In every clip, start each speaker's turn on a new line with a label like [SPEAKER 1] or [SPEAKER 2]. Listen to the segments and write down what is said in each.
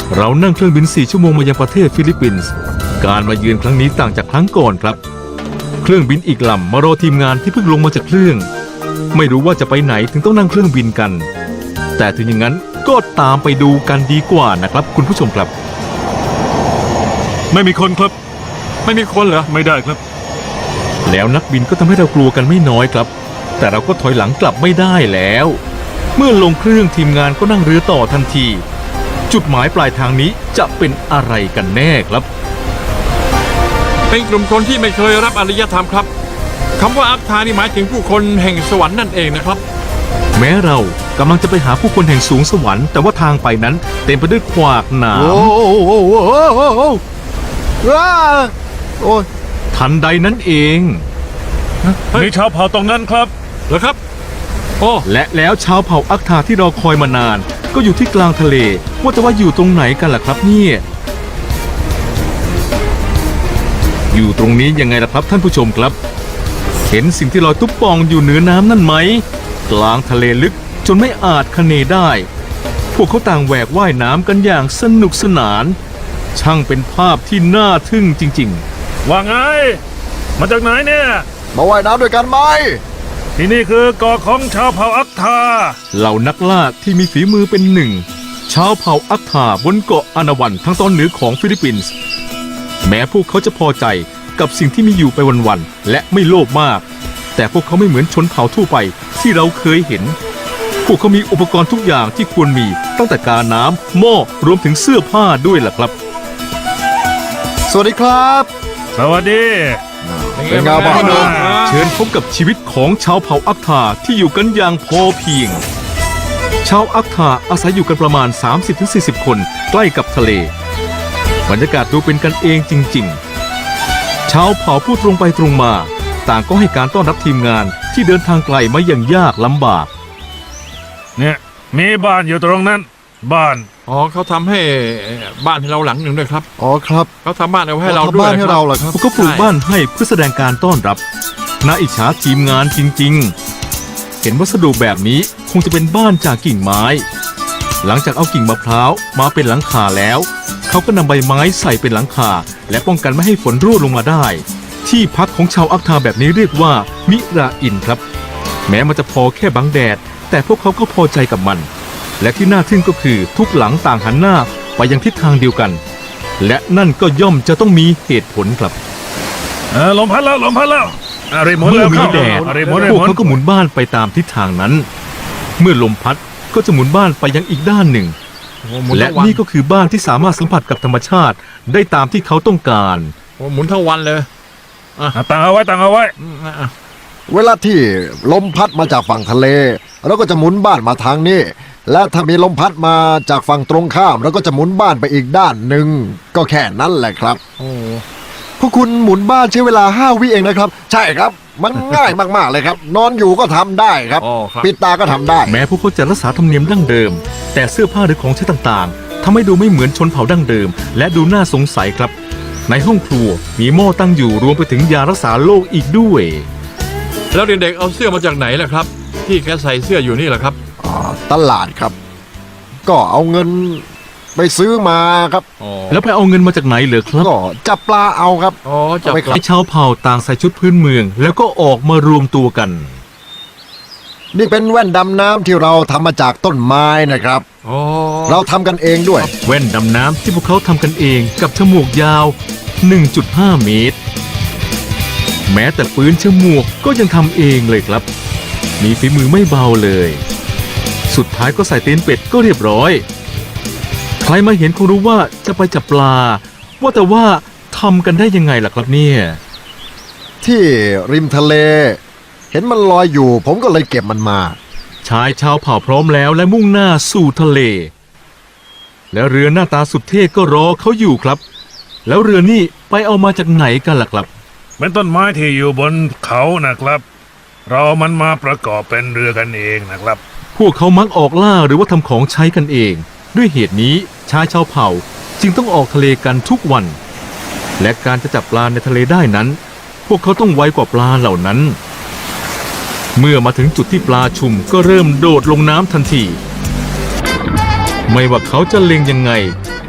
[SPEAKER 1] เรานั่งเครื่องบิน4 ชั่วโมงมายังประเทศฟิลิปปินส์การมาเยือนครั้งนี้ต่างจากครั้งก่อนครับเครื่องบินอีกลำมารอทีมงานที่เพิ่งลงมาจากเครื่องไม่รู้ว่าจะไปไหนถึงต้องนั่งเครื่องบินกันแต่ถึงอย่างนั้นก็ตามไปดูกันดีกว่านะครับคุณผู้ชมครับ
[SPEAKER 2] ไม่มีคนครับ
[SPEAKER 3] ไม่มีคนเหรอ
[SPEAKER 2] ไม่ได้ครับ
[SPEAKER 1] แล้วนักบินก็ทำให้เรากลัวกันไม่น้อยครับแต่เราก็ถอยหลังกลับไม่ได้แล้วเมื่อลงเครื่องทีมงานก็นั่งเรือต่อทันทีจุดหมายปลายทางนี้จะเป็นอะไรกันแน่ครับ
[SPEAKER 3] เป็นกลุ่มคนที่ไม่เคยรับอารยธรรมครับคำว่าอัตถานี่หมายถึงผู้คนแห่งสวรรค์นั่นเองนะครับ
[SPEAKER 1] แม้เรากำลังจะไปหาผู้คนแห่งสูงสวรรค์แต่ว่าทางไปนั้นเต็มไปด้วยขวากหนามทันใดนั้นเอง
[SPEAKER 2] มีชาวเผ่าตรงนั้นครับ
[SPEAKER 3] เหรอครับโอ้
[SPEAKER 1] และแล้วชาวเผ่าอักทาที่รอคอยมานานก็อยู่ที่กลางทะเลว่าแต่ว่าอยู่ตรงไหนกันล่ะครับเนี่ยอยู่ตรงนี้ยังไงล่ะครับท่านผู้ชมครับเห็นสิ่งที่ลอยตุ๊บปองอยู่เหนือน้ำนั่นไหมกลางทะเลลึกจนไม่อาจคะเนได้พวกเขาต่างแหวกว่ายน้ำกันอย่างสนุกสนานช่างเป็นภาพที่น่าทึ่งจริง
[SPEAKER 2] ๆว่าไงมาจากไหนเนี่ย
[SPEAKER 4] มาว่ายน้ำด้วยกันไหม
[SPEAKER 2] ที่นี่คือเกาะของชาวเผ่าอักทา
[SPEAKER 1] เหล่านักล่าที่มีฝีมือเป็นหนึ่งชาวเผ่าอักทาบนเกาะอานาวันทั้งตอนเหนือของฟิลิปปินส์แม้พวกเขาจะพอใจกับสิ่งที่มีอยู่ไปวันๆและไม่โลภมากแต่พวกเขาไม่เหมือนชนเผ่าทั่วไปที่เราเคยเห็นพวกเขามีอุปกรณ์ทุกอย่างที่ควรมีตั้งแต่กาน้ำหม้อรวมถึงเสื้อผ้าด้วยล่ะครับ
[SPEAKER 4] สวัสดีครับ
[SPEAKER 2] สวัสดี
[SPEAKER 4] เป็นไงบ้าง
[SPEAKER 1] เชิญพบกับชีวิตของชาวเผ่าอักทาที่อยู่กันอย่างพอเพียงชาวอักทาอาศัยอยู่กันประมาณ 30-40 คนใกล้กับทะเลบรรยากาศดูเป็นกันเองจริงๆชาวเผ่าพูดตรงไปตรงมาต่างก็ให้การต้อนรับทีมงานที่เดินทางไกลมาอย่างยากลำบาก
[SPEAKER 2] เนี่ยมีบ้านอยู่ตรงนั้นบ้าน
[SPEAKER 3] อ๋อเขาทำให้บ้านให้เราหลังหนึ่งด้วยครับ
[SPEAKER 4] อ๋อครับ
[SPEAKER 3] เขาทำบ้านเอาให้เราด้วย
[SPEAKER 4] บ้านให้เราเหรอครับ
[SPEAKER 1] พวกเขาปลูกบ้านให้เพื่อแสดงการต้อนรับน่าอิจฉาทีมงานจริงๆเห็นวัสดุแบบนี้คงจะเป็นบ้านจากกิ่งไม้หลังจากเอากิ่งมะพร้าวมาเป็นหลังคาแล้วเขาก็นำใบไม้ใส่เป็นหลังคาและป้องกันไม่ให้ฝนรั่วลงมาได้ที่พักของชาวอักทาแบบนี้เรียกว่ามิราอินครับแม้มันจะพอแค่บังแดดแต่พวกเขาก็พอใจกับมันและที่น่าทึ่งก็คือทุกหลังต่างหันหน้าไปยังทิศทางเดียวกันและนั่นก็ย่อมจะต้องมีเหตุผลครับ
[SPEAKER 2] ลมพัดแล้ว
[SPEAKER 1] เมื่อมีแดดพวกเขาก็หมุนบ้านไปตามทิศทางนั้นเมื่อลมพัดก็จะหมุนบ้านไปยังอีกด้านหนึ่งและนี่ก็คือบ้านที่สามารถสัมผัสกับธรรมชาติได้ตามที่เขาต้องการ
[SPEAKER 3] หมุนทั้งวันเลย
[SPEAKER 2] ตั้งเอาไว้
[SPEAKER 4] เวลาที่ลมพัดมาจากฝั่งทะเลเราก็จะหมุนบ้านมาทางนี้และถ้ามีลมพัดมาจากฝั่งตรงข้ามเราก็จะหมุนบ้านไปอีกด้านหนึ่งก็แค่นั้นแหละครับพวกคุณหมุนบ้านใช้เวลา5 วิเองนะครับใช่ครับมันง่ายมากๆเลยครับนอนอยู่ก็ทำได้ครับปิดตาก็ทำได้
[SPEAKER 1] แม้พวกเขาจะรักษาธรรมเนียมดั้งเดิมแต่เสื้อผ้าหรือของใช้ต่างๆทำให้ดูไม่เหมือนชนเผ่าดั้งเดิมและดูน่าสงสัยครับในห้องครัวมีหม้อตั้งอยู่รวมไปถึงยารักษาโรคอีกด้วย
[SPEAKER 3] แล้วเด็กๆเอาเสื้อมาจากไหนล่ะครับที่แกใส่เสื้ออยู่นี่แหละครับ
[SPEAKER 4] ตลาดครับก็เอาเงินไปซื้อมาครับ
[SPEAKER 1] แล้วไปเอาเงินมาจากไหนเหรอครับ
[SPEAKER 4] ก็จับปลาเอาครับ
[SPEAKER 1] จับปลาชาวเผ่าต่างใส่ชุดพื้นเมืองแล้วก็ออกมารวมตัวกัน
[SPEAKER 4] นี่เป็นแว่นดำน้ำที่เราทำมาจากต้นไม้นะครับเราทำกันเองด้วย
[SPEAKER 1] แว่นดำน้ำที่พวกเขาทำกันเองกับฉมวกยาว 1.5 เมตรแม้แต่ปืนฉมวกก็ยังทำเองเลยครับมีฝีมือไม่เบาเลยสุดท้ายก็ใส่ตีนเป็ดก็เรียบร้อยใครมาเห็นคงรู้ว่าจะไปจับปลาว่าแต่ว่าทำกันได้ยังไงล่ะครับเนี่ย
[SPEAKER 4] ที่ริมทะเลเห็นมันลอยอยู่ผมก็เลยเก็บมันมา
[SPEAKER 1] ชายชาวเผ่าพร้อมแล้วและมุ่งหน้าสู่ทะเลและเรือหน้าตาสุดเท่ก็รอเขาอยู่ครับแล้วเรือนี่ไปเอามาจากไหนกันล่ะครับ
[SPEAKER 2] เป็นต้นไม้ที่อยู่บนเขานะครับเรามันมาประกอบเป็นเรือกันเองนะครับ
[SPEAKER 1] พวกเขามักออกล่าหรือว่าทำของใช้กันเองด้วยเหตุนี้ชายชาวเผ่าจึงต้องออกทะเลกันทุกวันและการจะจับปลาในทะเลได้นั้นพวกเขาต้องไวกว่าปลาเหล่านั้นเมื่อมาถึงจุดที่ปลาชุมก็เริ่มโดดลงน้ำทันทีไม่ว่าเขาจะเล็งยังไง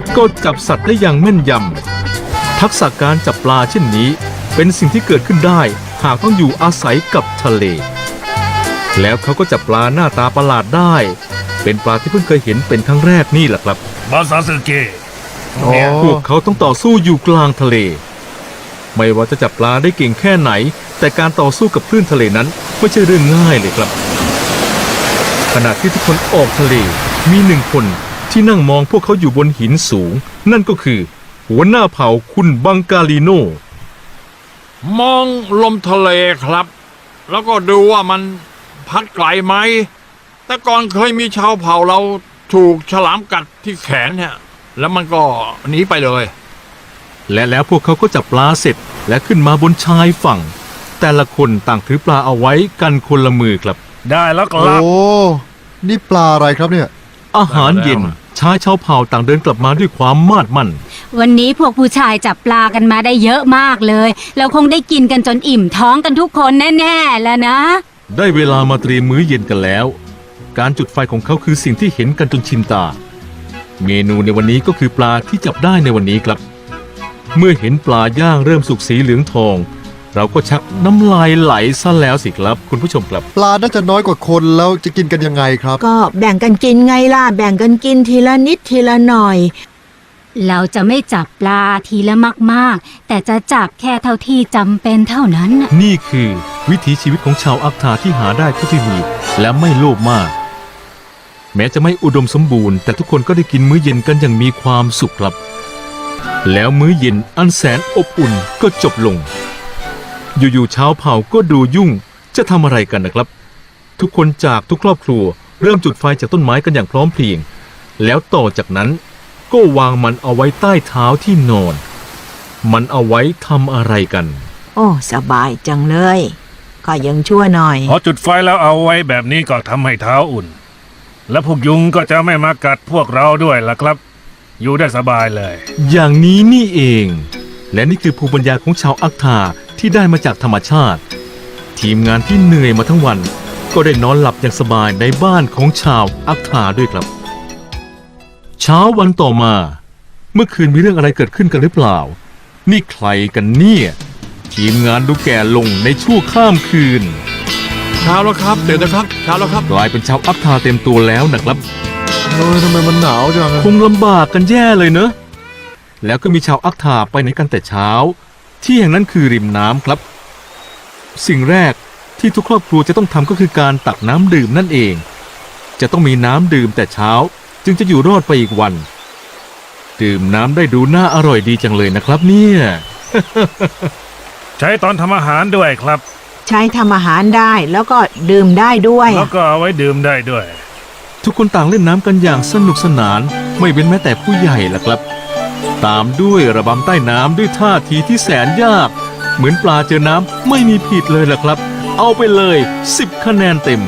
[SPEAKER 1] ก็จับสัตว์ได้อย่างแม่นยำทักษะการจับปลาเช่นนี้เป็นสิ่งที่เกิดขึ้นได้หากต้องอยู่อาศัยกับทะเล แล้วเขาก็จับปลาหน้าตาประหลาดได้ เป็นปลาที่เพิ่งเคยเห็นเป็นครั้งแรกนี่แหละครับ
[SPEAKER 2] บาซาสึเกะ
[SPEAKER 4] โอ้
[SPEAKER 1] พวกเขาต้องต่อสู้อยู่กลางทะเล ไม่ว่าจะจับปลาได้เก่งแค่ไหน แต่การต่อสู้กับคลื่นทะเลนั้นไม่ใช่เรื่องง่ายเลยครับ ขณะที่ทุกคนออกทะเลมีหนึ่งคนที่นั่งมองพวกเขาอยู่บนหินสูง นั่นก็คือหัวหน้าเผ่าคุณบังกาลิโน
[SPEAKER 3] มองลมทะเลครับ แล้วก็ดูว่ามันพัดไกลไหม แต่ก่อนเคยมีชาวเผ่าเราถูกฉลามกัดที่แขนเนี่ย แล้วมันก็หนีไปเลย
[SPEAKER 1] และแล้วพวกเขาก็จับปลาเสร็จและขึ้นมาบนชายฝั่ง แต่ละคนต่างถือปลาเอาไว้กันคนละมือครับ
[SPEAKER 2] ได้แล้วค
[SPEAKER 4] โอ้
[SPEAKER 2] รับ
[SPEAKER 4] นี่ปลาอะไรครับเนี่ย
[SPEAKER 1] อาหารเย็นชายชาวเผ่าต่างเดินกลับมาด้วยความมาดมั่น
[SPEAKER 5] วันนี้พวกผู้ชายจับปลากันมาได้เยอะมากเลยเราคงได้กินกันจนอิ่มท้องกันทุกคนแน่ๆแล้วนะ
[SPEAKER 1] ได้เวลามาเตรียมมื้อเย็นกันแล้ว การจุดไฟของเขาคือสิ่งที่เห็นกันจนชินตา เมนูในวันนี้ก็คือปลาที่จับได้ในวันนี้ครับ เมื่อเห็นปลาย่างเริ่มสุกสีเหลืองทอง เราก็ชักน้ำลายไหลซะแล้วสิครับคุณผู้ชมครับ
[SPEAKER 4] ปลาน่าจะน้อยกว่าคนแล้วจะกินกันยังไงครับ
[SPEAKER 6] ก็แบ่งกันกินไงล่ะ แบ่งกันกินทีละนิดทีละหน่อย
[SPEAKER 5] เราจะไม่จับปลาทีละมากๆ แต่จะจับแค่เท่าที่จำเป็นเท่านั้นน่ะ
[SPEAKER 1] นี่คือวิถีชีวิตของชาวอักทาที่หาได้เท่าที่มีและไม่โลภมาก แม้จะไม่อุดมสมบูรณ์แต่ทุกคนก็ได้กินมื้อเย็นกันอย่างมีความสุขครับ แล้วมื้อเย็นอันแสนอบอุ่นก็จบลง อยู่ๆชาวเผ่าก็ดูยุ่งจะทำอะไรกันนะครับ ทุกคนจากทุกครอบครัวเริ่มจุดไฟจากต้นไม้กันอย่างพร้อมเพรียง แล้วต่อจากนั้นก็วางมันเอาไว้ใต้เท้าที่นอน มันเอาไว้ทำอะไรกัน
[SPEAKER 6] โอ้สบายจังเลย ก็ยังชั่วหน่อย
[SPEAKER 2] พอจุดไฟแล้วเอาไว้แบบนี้ก็ทำให้เท้าอุ่น และพวกยุงก็จะไม่มากัดพวกเราด้วยล่ะครับ อยู่ได้สบายเลย
[SPEAKER 1] อย่างนี้นี่เอง และนี่คือภูมิปัญญาของชาวอักทาที่ได้มาจากธรรมชาติ ทีมงานที่เหนื่อยมาทั้งวัน ก็ได้นอนหลับอย่างสบายในบ้านของชาวอักทาด้วยครับ เช้าวันต่อมา เมื่อคืนมีเรื่องอะไรเกิดขึ้นกันหรือเปล่า นี่ใครกันเนี่ย ทีมงานดูแก่ลงในชั่วข้ามคืน
[SPEAKER 3] เช้าแล้วครับตื่นนะครับเช้าแล้วครับ
[SPEAKER 1] กลายเป็นชาวอักทาเต็มตัวแล้วนะครับ
[SPEAKER 4] ทำไมมันหนาวจัง
[SPEAKER 1] คงลำบากกันแย่เลยเนอะ แล้วก็มีชาวอักทาไปไหนกันแต่เช้า ที่แห่งนั้นคือริมน้ำครับ สิ่งแรกที่ทุกครอบครัวจะต้องทำก็คือการตักน้ำดื่มนั่นเอง จะต้องมีน้ำดื่มแต่เช้าจึงจะอยู่รอดไปอีกวัน ดื่มน้ำได้ดูน่าอร่อยดีจังเลยนะครับเนี่ย
[SPEAKER 2] ใช้ตอนทำอาหารด้วยครับ
[SPEAKER 6] ใช้ทำอาหารได้แล้วก็ดื่มได้ด้วย
[SPEAKER 2] แล้วก็เอาไว้ดื่มได้ด้วย
[SPEAKER 1] ทุกคนต่างเล่นน้ำกันอย่างสนุกสนาน ไม่เว้นแม้แต่ผู้ใหญ่ล่ะครับ ตามด้วยระบำใต้น้ำด้วยท่าทีที่แสนยาก เหมือนปลาเจอน้ำไม่มีผิดเลยล่ะครับ เอาไปเลย10 คะแนนเต็ม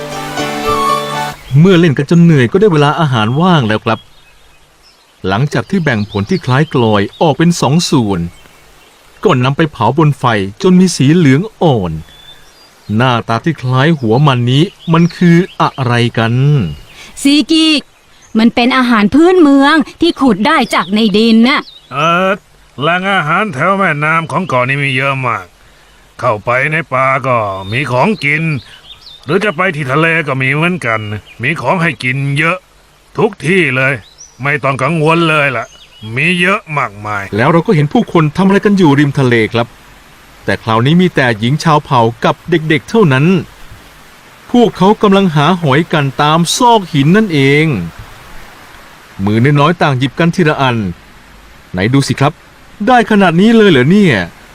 [SPEAKER 1] เมื่อเล่นกันจนเหนื่อยก็ได้เวลาอาหารว่างแล้วครับ หลังจากที่แบ่งผลที่คล้ายกลอยออกเป็น2 ส่วนก็นำไปเผาบนไฟจนมีสีเหลืองอ่อน หน้าตาที่คล้ายหัวมันนี้มันคืออะไรกัน
[SPEAKER 5] ซีกิมันเป็นอาหารพื้นเมืองที่ขุดได้จากในดินน่ะ
[SPEAKER 2] แหล่งอาหารแถวแม่น้ำของเกาะนี้มีเยอะมาก เข้าไปในป่าก็มีของกิน หรือจะไปที่ทะเลก็มีเหมือนกัน มีของให้กินเยอะ ทุกที่เลย ไม่ต้องกังวลเลยล่ะ มีเยอะมากมาย
[SPEAKER 1] แล้วเราก็เห็นผู้คนทำอะไรกันอยู่ริมทะเลครับ แต่คราวนี้มีแต่หญิงชาวเผ่ากับเด็กๆเท่านั้น พวกเขากำลังหาหอยกันตามซอกหินนั่นเอง มือน้อยๆต่างหยิบกันทีละอัน ไหนดูสิครับ ได้ขนาดนี้เลยเหรอเนี่ย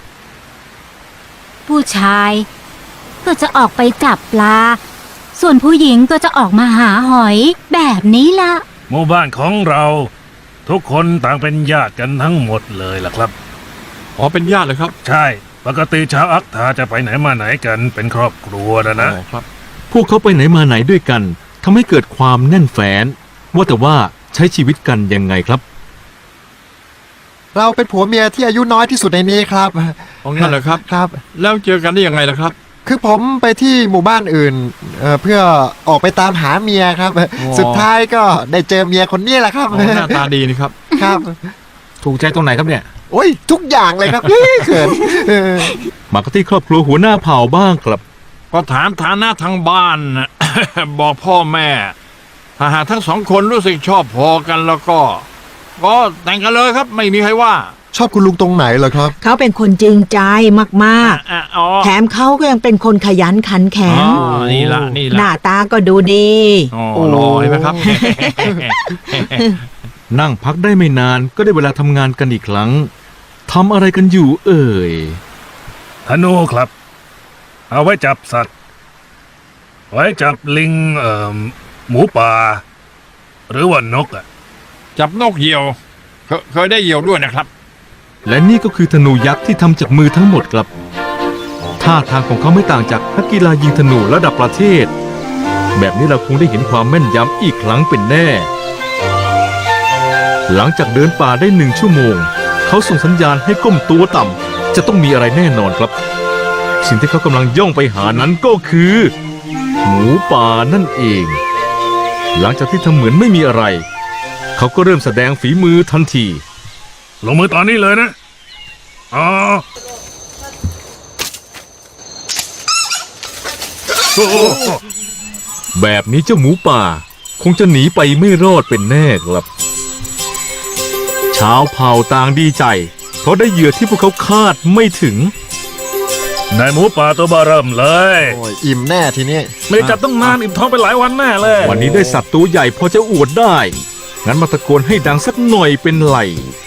[SPEAKER 5] ผู้ชายก็จะออกไปจับปลา ส่วนผู้หญิงก็จะออกมาหาหอยแบบนี้ละ
[SPEAKER 2] หมู่บ้านของเรา ทุกคนต่างเป็นญาติกันทั้งหมดเลยล่ะครับ
[SPEAKER 3] อ๋อเป็นญาติเลยครับ
[SPEAKER 2] ใช่ปกติชาวอักทาจะไปไหนมาไหนกันเป็นครอบครัวนะ
[SPEAKER 3] อ๋อครับ
[SPEAKER 1] พวกเขาไปไหนมาไหนด้วยกันทำให้เกิดความแน่นแฟ้นว่าแต่ว่าใช้ชีวิตกันยังไงครับ
[SPEAKER 4] เราเป็นผัวเมียที่อายุน้อยที่สุดในนี้ครับ
[SPEAKER 3] อ๋องั้นเหรอครับ
[SPEAKER 4] ครับ
[SPEAKER 3] แล้วเจอกันได้ยังไงล่ะครับ
[SPEAKER 4] คือผมไปที่หมู่บ้านอื่นเพื่อออกไปตามหาเมียครับ สุดท้ายก็ได้เจอเมียคนนี้แหละครับ
[SPEAKER 3] อ๋อหน้าตาดีนี่ครับ
[SPEAKER 4] คครับ
[SPEAKER 1] ถูกใจตรงไหนครับเนี่ย
[SPEAKER 4] โอ้ยทุกอย่างเลยครับ เขิน
[SPEAKER 1] มากันที่ครอบครัวหัวหน้าเผ่าบ้างครับ
[SPEAKER 3] ก็ถามฐานะทางบ้านนะ บอกพ่อแม่ ถ้าหากทั้งสองคนรู้สึกชอบพอกันแล้วก็แต่งกันเลยครับ ไม่มีใครว่า
[SPEAKER 4] ชอบคุณลุงตรงไหนเหรอครับ
[SPEAKER 6] เขาเป็นคนจริงใจมาก
[SPEAKER 3] อ๋อ
[SPEAKER 6] ๆ แถมเขาก็ยังเป็นคนขยันขันแข็ง
[SPEAKER 3] นี่ละนี่
[SPEAKER 6] ห
[SPEAKER 3] ละ
[SPEAKER 6] น้าตาก็ดูดี
[SPEAKER 3] อ๋อรอเห็นไหมครับ
[SPEAKER 1] นั่งพักได้ไม่นานก็ได้เวลาทำงานกันอีกครั้งทำอะไรกันอยู่เอ่ย
[SPEAKER 2] ธนูครับ เอาไว้จับสัตว์ ไว้จับลิงหมูป่า หรือว่านกอ่ะ
[SPEAKER 3] จับนกเหยี่ยวเคยได้เหยี่ยวด้วยนะครับ
[SPEAKER 1] และนี่ก็คือธนูยักษ์ที่ทำจากมือทั้งหมดครับท่าทางของเขาไม่ต่างจากนักกีฬายิงธนูระดับประเทศ แบบนี้เราคงได้เห็นความแม่นยำอีกครั้งเป็นแน่ หลังจากเดินป่าได้1 ชั่วโมง เขาส่งสัญญาณให้ก้มตัวต่ำจะต้องมีอะไรแน่นอนครับ สิ่งที่เขากำลังย่องไปหานั้นก็คือ หมูป่านั่นเอง หลังจากที่ทำเหมือนไม่มีอะไร เขาก็เริ่มแสดงฝีมือทันที
[SPEAKER 2] ลงมือตอนนี้เลยนะ อ๋อโอ้โห
[SPEAKER 1] แบบนี้เจ้าหมูป่าคงจะหนีไปไม่รอดเป็นแน่ครับ ชาวเผ่าต่างดีใจ เพราะได้เหยื่อที่พวกเขาคาดไม่ถึง
[SPEAKER 2] นายหมูป่าตัวบาเริ่มเลย
[SPEAKER 4] โอ้ยอิ่มแน่ทีนี้
[SPEAKER 2] ไม่ได้จับต้องนานอิ่มท้องไปหลายวันแน่เลย
[SPEAKER 1] วันนี้ได้สัตว์ตัวใหญ่พอจะอวดได้ งั้นมาตะโกนให้ดังสักหน่อยเป็นไหล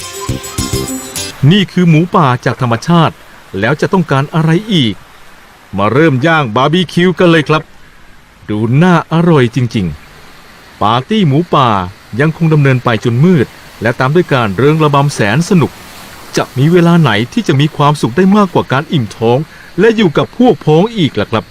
[SPEAKER 1] นี่คือหมูป่าจากธรรมชาติ แล้วจะต้องการอะไรอีก มาเริ่มย่างบาร์บีคิวกันเลยครับ ดูน่าอร่อยจริงๆ ปาร์ตี้หมูป่ายังคงดำเนินไปจนมืด และตามด้วยการเริงระบำแสนสนุก จะมีเวลาไหนที่จะมีความสุขได้มากกว่าการอิ่มท้อง และอยู่กับพวกพ้องอีกล่ะครับ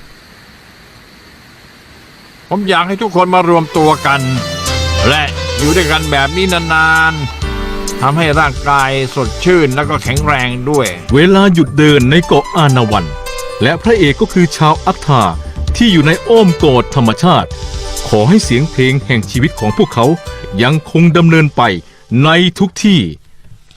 [SPEAKER 3] ผมอยากให้ทุกคนมารวมตัวกัน และอยู่ด้วยกันแบบนี้นานๆทำให้ร่างกายสดชื่นแล้วก็แข็งแรงด้วย
[SPEAKER 1] เวลาหยุดเดินในเกาะอานาวัน และพระเอกก็คือชาวอัคทาที่อยู่ในอ้อมกอดธรรมชาติ ขอให้เสียงเพลงแห่งชีวิตของพวกเขายังคงดำเนินไปในทุกที่